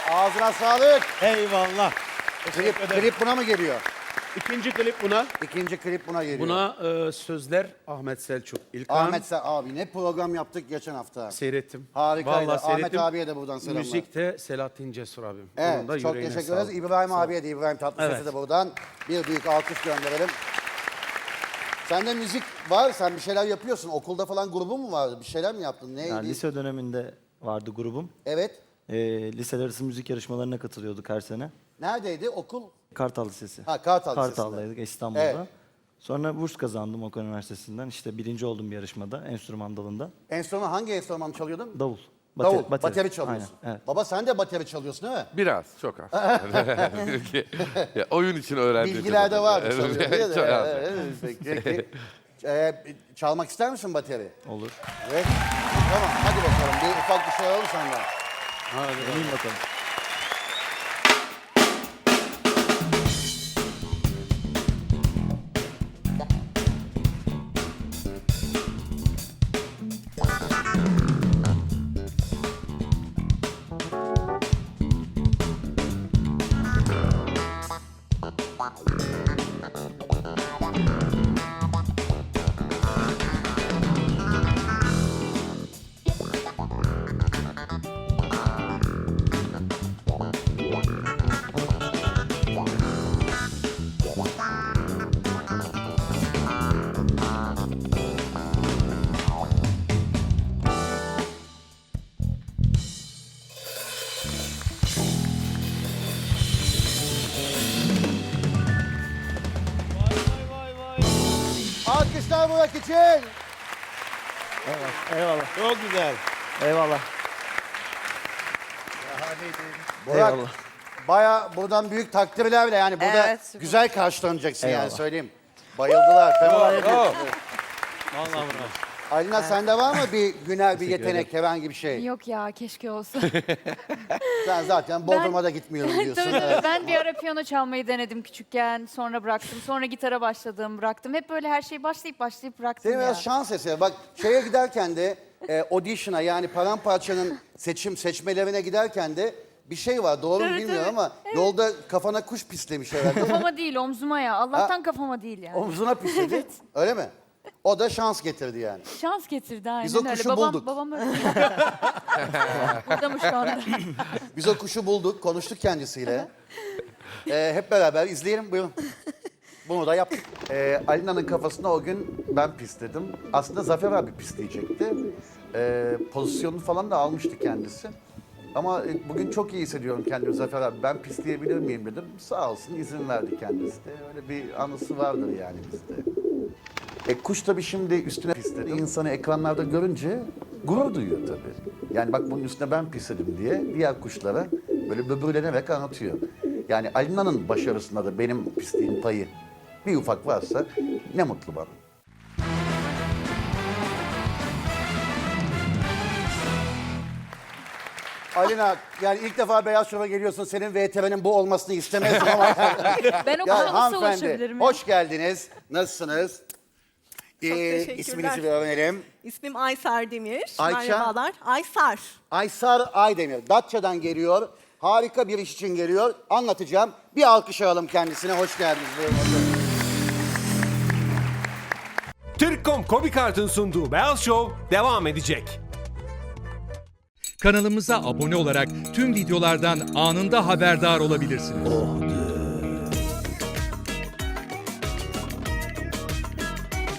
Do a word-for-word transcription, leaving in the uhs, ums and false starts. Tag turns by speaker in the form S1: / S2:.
S1: Ağzına sağlık.
S2: Eyvallah.
S1: Klip, klip buna mı geliyor?
S2: İkinci klip buna.
S1: İkinci klip buna geliyor.
S2: Buna e, sözler Ahmet Selçuk İlkan.
S1: Ahmet Sa- abi ne program yaptık geçen hafta.
S2: Seyrettim.
S1: Harikaydı.
S2: Vallahi
S1: Ahmet
S2: seyrettim.
S1: abiye de buradan selamlar.
S2: Müzik de Selahattin Cesur abim.
S1: Evet,
S2: Onun da
S1: çok
S2: yüreğine
S1: teşekkür ederiz.
S2: sağlık.
S1: İbrahim abiye de, İbrahim Tatlıses'e
S2: Evet.
S1: de buradan bir büyük alkış gönderelim. Sende müzik var, sen bir şeyler yapıyorsun. Okulda falan grubun mu vardı? Bir şeyler mi yaptın? Neydi?
S3: Yani lise döneminde vardı grubum.
S1: Evet.
S3: Ee, liseler arası müzik yarışmalarına katılıyorduk her sene.
S1: Neredeydi okul?
S3: Kartal Lisesi.
S1: Ha, Kartal Lisesi'nde.
S3: Kartal'daydık İstanbul'da.
S1: Evet.
S3: Sonra burs kazandım Okan Üniversitesi'nden. İşte birinci oldum bir yarışmada, enstrüman dalında.
S1: Enstrüman, hangi enstrüman çalıyordun?
S3: Davul.
S1: Davul,
S3: Bateri-
S1: bateri, çalıyorsun.
S3: Aynen, evet.
S1: Baba sen de bateri çalıyorsun değil mi?
S4: Biraz, çok az. Çünkü ya, oyun için öğrendim.
S1: Bilgiler de var.
S4: Evet,
S1: çalıyor diye de.
S4: çok az.
S1: Evet, evet, peki. Ee, çalmak ister misin bateri?
S3: Olur.
S1: Evet. Tamam hadi bakalım bir ufak bir şey alalım senden.
S3: Deneyeyim bakalım.
S1: Alkışlar Burak için.
S3: Eyvallah.
S2: Çok güzel.
S3: Eyvallah.
S1: Burak
S3: Eyvallah.
S1: baya buradan büyük takdirlerle yani burada
S5: Evet.
S1: güzel karşılanacaksın yani
S3: Eyvallah.
S1: söyleyeyim. Bayıldılar. Fenomenal.
S2: Vallahi bravo.
S1: Alina sende var mı bir güner bir yetenek herhangi bir şey?
S6: Yok ya keşke olsa.
S1: Sen zaten Bodrum'a da gitmiyorum diyorsun.
S6: Tabii, tabii.
S1: Evet.
S6: Ben bir ara piyano çalmayı denedim küçükken. Sonra bıraktım. Sonra gitara başladım, bıraktım. Hep böyle her şeyi başlayıp başlayıp bıraktım
S1: Senin
S6: ya.
S1: biraz şans eseri. Bak şeye giderken de e, audition'a yani Paramparça'nın seçim seçmelerine giderken de bir şey var. Doğru mu
S6: Evet,
S1: bilmiyorum
S6: evet.
S1: ama yolda kafana kuş pislemiş herhalde.
S6: Kafama değil, omzuma ya. Allah'tan kafama değil yani.
S1: Omzuna pisledi. Öyle mi? O da şans getirdi yani.
S6: Şans getirdi aynen
S1: Biz o
S6: öyle.
S1: kuşu
S6: babam,
S1: bulduk.
S6: Babam öyle. Burada mı şu anda?
S1: Biz o kuşu bulduk, konuştuk kendisiyle. Ee, hep beraber izleyelim, buyurun. Bunu da yaptık. Ee, Alina'nın kafasına o gün ben pisledim. Aslında Zafer abi pisleyecekti. Ee, pozisyonunu falan da almıştı kendisi. Ama e, bugün çok iyi hissediyorum kendimi Zafer abi. Ben pisleyebilir miyim dedim. Sağ olsun izin verdi kendisi de. Öyle bir anısı vardır yani bizde. E, kuş tabii şimdi üstüne pisledi. İnsanı ekranlarda görünce gurur duyuyor tabii. Yani bak bunun üstüne ben pisledim diye diğer kuşlara böyle böbürlenerek anlatıyor. Yani Alina'nın başarısında da benim pisliğin payı bir ufak varsa ne mutlu bana. Alina yani ilk defa Beyaz Şov'a geliyorsun. Senin V T V'nin bu olmasını istemezdim ama.
S6: Ben o
S1: Ya
S6: kadar nasıl
S1: hanımefendi,
S6: ulaşabilirim ya?
S1: hoş geldiniz. Nasılsınız? Ee,
S5: teşekkürler.
S1: isminizi bir öğrenelim.
S5: İsmim Aysar Demir.
S1: Ayça?
S5: Merhabalar. Aysar.
S1: Aysar Aydemir. Datça'dan geliyor. Harika bir iş için geliyor. Anlatacağım. Bir alkış alalım kendisine. Hoş geldiniz. Buyurun, oturun.
S7: Türkcom Kobikart'ın sunduğu Beyaz Show devam edecek.
S8: Kanalımıza abone olarak tüm videolardan anında haberdar olabilirsiniz.